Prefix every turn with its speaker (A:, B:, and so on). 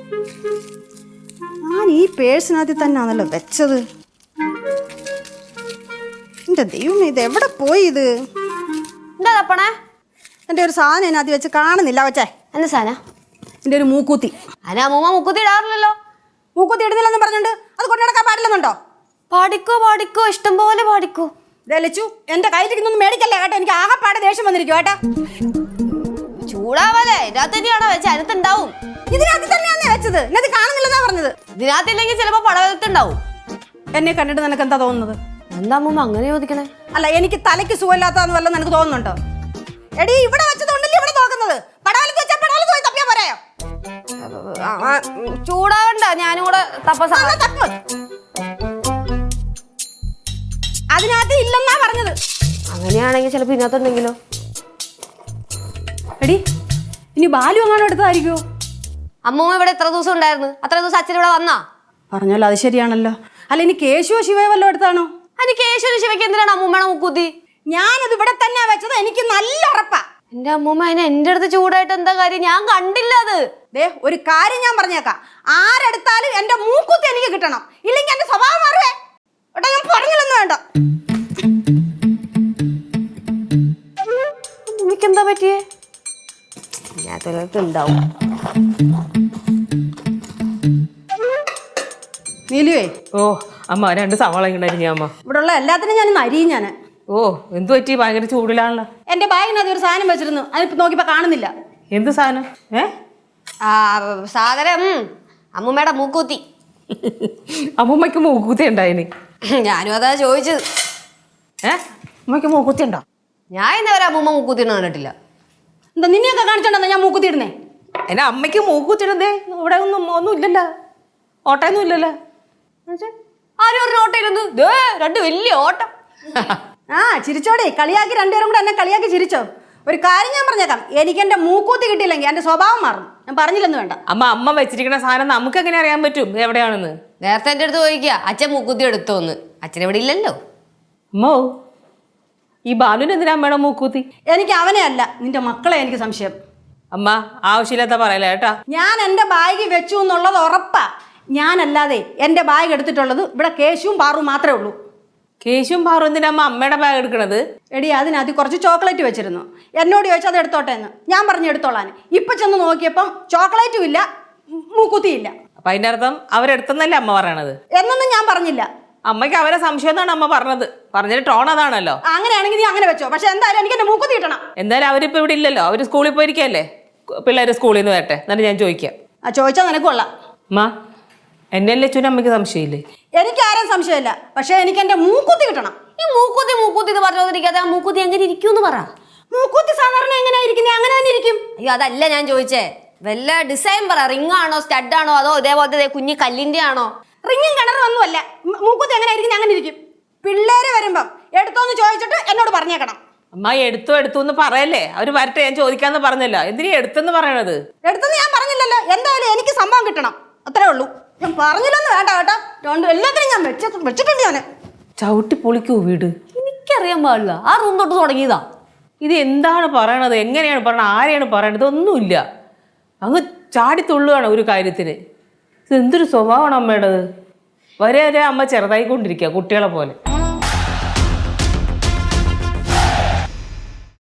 A: ഞാൻ ഈ പേഴ്സിനകത്ത് തന്നെയാണല്ലോ വെച്ചത്. എന്റെ ദൈവം, ഇത് എവിടെ പോയി? ഇത്
B: എന്താ തപ്പണേ?
A: എന്റെ ഒരു സാധനം ഇതിനകത്ത് വെച്ച് കാണുന്നില്ല. വച്ചേ
B: എന്ത് സാധനം?
A: എന്റെ ഒരു മൂക്കൂത്തി.
B: അനാ മൂമ്മ മുക്കുത്തി ഇടാറില്ലല്ലോ.
A: മൂക്കൂത്തി ഇടുന്നില്ലെന്ന് പറഞ്ഞോണ്ട് അത് കൊണ്ടു നടക്കാൻ പാടില്ലെന്നുണ്ടോ?
B: പാടിക്കോ ഇഷ്ടം പോലെ പാടിക്കോ.
A: ലച്ചു, എന്റെ കയ്യിലിരിക്കുന്നൊന്നും മേടിക്കല്ലേ കേട്ടോ. എനിക്ക് ആകെപ്പാടെ ദേഷ്യം വന്നിരിക്കും കേട്ടാ.
B: ചൂടാവല്ലേ? ഇതിനകത്ത് തന്നെയാണോ വെച്ച? അതിനകത്തുണ്ടാവും.
A: ഇതിനകത്ത് തന്നെയാണ് വെച്ചത്. എന്നത് കാണുന്നില്ലെന്നാ പറഞ്ഞത്.
B: ഇതിനകത്തില്ലെങ്കിൽ ചിലപ്പോ പടവലത്തുണ്ടാവും.
A: എന്നെ കണ്ടിട്ട് നിനക്ക് എന്താ തോന്നുന്നത്?
B: എന്താ മൂമ്മ അങ്ങനെ ചോദിക്കണേ?
A: അല്ല, എനിക്ക് തലയ്ക്ക് സുഖമില്ലാത്തതെന്ന് വല്ലതും നിനക്ക് തോന്നുന്നുണ്ടോ? എടി, ഇവിടെ വെച്ചതുകൊണ്ടല്ലേ ഇവിടെ നോക്കുന്നത്. പടവലത്ത് വെച്ചാൽ പടവലത്ത് പോയി തപ്പിയാ പോരായോ?
B: ചൂടാവണ്ട, ഞാനും കൂടെ തപ്പ.
A: അതിനകത്ത് ഇല്ലെന്നാ പറഞ്ഞത്.
B: അങ്ങനെയാണെങ്കിൽ ചിലപ്പോ ഇതിനകത്തുണ്ടെങ്കിലോ?
A: എടി, ഇനി ബാലു എങ്ങാനും എടുത്തതായിരിക്കുമോ?
B: അമ്മൂമ്മ ഇവിടെ എത്ര ദിവസം ഉണ്ടായിരുന്നു? അത്ര ദിവസം അച്ഛൻ ഇവിടെ വന്നാ?
A: പറഞ്ഞല്ലോ, അത് ശരിയാണല്ലോ. അല്ല, ഇനി കേശുവോ ശിവയോ വല്ലതും എടുത്താണോ?
B: അതിന് കേശവന് ശിവയ്ക്ക് എന്തിനാണ് അമ്മൂമ്മയുടെ മുക്കൂത്തി?
A: ഞാനത് ഇവിടെ തന്നെയാ വെച്ചത്. എനിക്ക് നല്ല ഉറപ്പാ.
B: എന്റെ അമ്മൂമ്മ അതിന് എന്റെ അടുത്ത് ചൂടായിട്ട് എന്താ കാര്യം? ഞാൻ കണ്ടില്ല അത്.
A: ഒരു കാര്യം ഞാൻ പറഞ്ഞേക്കാം. ആരെടുത്താലും എന്റെ മൂക്കുത്തി എനിക്ക് കിട്ടണം. ഇല്ലെങ്കിൽ എന്റെ സ്വഭാവം മാറുവേ. ഇവിടെ ഞാൻ പറഞ്ഞില്ലെന്ന് വേണ്ട.
B: എനിക്കെന്താ പറ്റിയേ? ഉണ്ടാവും.
A: നീലുവേ.
C: ഓ അമ്മ, 2 സവാള ഉണ്ടായിരുന്നു അമ്മ.
A: ഇവിടെ ഉള്ള എല്ലാത്തിനും ഞാൻ അരിയും. ഞാൻ
C: ഓ എന്തു പറ്റി? ഭയങ്കര ചൂടിലാണല്ലോ.
A: എന്റെ ബാഗിനകത്ത് ഒരു സാധനം വെച്ചിരുന്നു. അതിപ്പോ നോക്കിയപ്പോ കാണുന്നില്ല.
C: എന്ത് സാധനം?
B: സാധനം അമ്മൂമ്മയുടെ മൂക്കൂത്തി.
C: അമ്മൂമ്മയ്ക്ക് മൂക്കുത്തി ഉണ്ടായിന്.
B: ഞാനും അതാ ചോദിച്ചത്.
C: അമ്മയ്ക്ക് മൂക്കുത്തി ഉണ്ടോ?
B: ഞാൻ ഇന്നവരെ അമ്മൂമ്മ മൂക്കൂത്തി കണ്ടിട്ടില്ല.
A: എന്താ നിന്നെയൊക്കെ കാണിച്ചോണ്ടെന്നാ ഞാൻ മൂക്കുത്തി ഇടുന്നേ?
C: എന്നെ അമ്മയ്ക്ക് മൂക്കുത്തിടുന്നേ ഇവിടെ ഒന്നും ഇല്ലല്ലോ. ഓട്ടയൊന്നും ഇല്ലല്ലോ.
B: ആരും ഒരു ഓട്ടയിരുന്നു. 2 വലിയ ഓട്ടം.
A: ചിരിച്ചോടെ. കളിയാക്കി രണ്ടുപേരും കൂടെ എന്നെ കളിയാക്കി ചിരിച്ചോ. ഒരു കാര്യം ഞാൻ പറഞ്ഞേക്കാം. എനിക്ക് എന്റെ മൂക്കൂത്തി കിട്ടിയില്ലെങ്കിൽ എന്റെ സ്വഭാവം മാറും. ഞാൻ പറഞ്ഞില്ലെന്ന് വേണ്ട.
C: അമ്മ വെച്ചിരിക്കുന്ന സാധനം നമുക്ക് എങ്ങനെ അറിയാൻ പറ്റും എവിടെയാണെന്ന്?
B: നേരത്തെ എന്റെ അടുത്ത് ചോദിക്കുക അച്ഛൻ മൂക്കൂത്തി എടുത്തോന്ന്. അച്ഛൻ ഇവിടെ ഇല്ലല്ലോ.
C: അമ്മോ, ഈ ബാലുവിന് എന്തിനാ അമ്മയുടെ മൂക്കൂത്തി?
A: എനിക്ക് അവനെ അല്ല, നിന്റെ മക്കളെ എനിക്ക് സംശയം.
C: അമ്മ ആവശ്യമില്ലാത്ത പറയല കേട്ടാ.
A: ഞാൻ എന്റെ ബാഗ് വെച്ചു എന്നുള്ളത് ഉറപ്പാ. ഞാനല്ലാതെ എന്റെ ബാഗ് എടുത്തിട്ടുള്ളത് ഇവിടെ കേശുവും പാറും മാത്രമേ ഉള്ളൂ.
C: കേശുവും പാറും എന്തിനാ അമ്മ അമ്മയുടെ ബാഗ് എടുക്കണത്?
A: എടി, അതിനകത്ത് കുറച്ച് ചോക്ലേറ്റ് വെച്ചിരുന്നു. എന്നോട് ചോദിച്ചാൽ അത് എടുത്തോട്ടെ എന്ന്. ഞാൻ പറഞ്ഞു എടുത്തോളാൻ. ഇപ്പൊ ചെന്ന് നോക്കിയപ്പം ചോക്ലേറ്റും ഇല്ല, മൂക്കുത്തിയില്ല.
C: അപ്പൊ അതിന്റെ അർത്ഥം അവരെടുത്തെന്നല്ലേ അമ്മ പറയണത്?
A: എന്നൊന്നും ഞാൻ പറഞ്ഞില്ല.
C: അമ്മയ്ക്ക് അവരെ സംശയം എന്നാണ് അമ്മ പറഞ്ഞത്. പറഞ്ഞിട്ട് ടോൺ അതാണല്ലോ.
A: അങ്ങനെയാണെങ്കിൽ നീ അങ്ങനെ വെച്ചോ. പക്ഷെ എന്തായാലും എനിക്ക് എന്റെ മൂക്കുത്തി കിട്ടണം.
C: എന്തായാലും അവരിപ്പോ ഇവിടെ ഇല്ലല്ലോ. അവര് സ്കൂളിൽ പോയിരിക്കല്ലേ. പിള്ളേര് സ്കൂളിൽ നിന്ന് വരട്ടെ, എന്നിട്ട് ഞാൻ ചോദിക്കാം.
A: ചോദിച്ചാൽ നിനക്ക് കൊള്ളാം.
C: അമ്മ, എന്നെ ലച്ചുവിന് അമ്മയ്ക്ക് സംശയമില്ലേ?
A: എനിക്ക് ആരും സംശയമില്ല. പക്ഷെ എനിക്ക് എന്റെ മൂക്കുത്തി കിട്ടണം.
B: ഈ മൂക്കൂത്തി എന്ന് പറഞ്ഞോണ്ടിരിക്കാതെ ആ മൂക്കൂത്തി എങ്ങനെ ഇരിക്കും പറ.
A: മൂക്കുത്തി സാധാരണ എങ്ങനെയാ ഇരിക്കുന്നത്? അങ്ങനെ തന്നെ ഇരിക്കും.
B: അയ്യോ, അതല്ല ഞാൻ ചോദിച്ചേ. വല്ല ഡിസൈൻ പറ. റിംഗ് ആണോ, സ്റ്റഡ് ആണോ, അതോ ഇതേപോലത്തെ കുഞ്ഞി കല്ലിന്റെ ആണോ?
A: റിങ്ങും കിണറും ഒന്നുമല്ല. മൂക്കുത്തി എങ്ങനെ ഇരിക്കുന്നത്? അങ്ങനെ ഇരിക്കും. പിള്ളേര് വരുമ്പം എടുത്തോന്ന് ചോദിച്ചിട്ട് എന്നോട് പറഞ്ഞേക്കണം.
C: അമ്മ എടുത്തു എന്ന് പറയല്ലേ. അവര് വരട്ടെ, ഞാൻ ചോദിക്കാന്ന് പറഞ്ഞല്ലോ. എന്തിനാ എടുത്തെന്ന് പറയണത്?
A: എടുത്തെന്ന് ഞാൻ പറഞ്ഞില്ലല്ലോ. എന്തായാലും എനിക്ക് സംഭവം കിട്ടണം, അത്രേ ഉള്ളൂ. ഞാൻ പറഞ്ഞില്ലെന്ന് വേണ്ട കേട്ടോ. എല്ലാത്തിനും ഞാൻ വെച്ചിട്ടുണ്ട്. ഞാൻ
C: ചവിട്ടി പൊളിക്കൂ വീട്.
B: എനിക്കറിയാൻ പാടില്ല. ആ റൂം തൊട്ട് തുടങ്ങിയതാ.
C: ഇത് എന്താണ് പറയണത്? എങ്ങനെയാണ് പറയണത്? ആരെയാണ് പറയണത്? ഇതൊന്നുമില്ല. അങ്ങ് ചാടിത്തുള്ളുകയാണ് ഒരു കാര്യത്തിന്. ഇത് എന്തൊരു സ്വഭാവമാണ് അമ്മയുടേത്. വരെ അമ്മ ചെറുതായിക്കൊണ്ടിരിക്കുക കുട്ടികളെ പോലെ.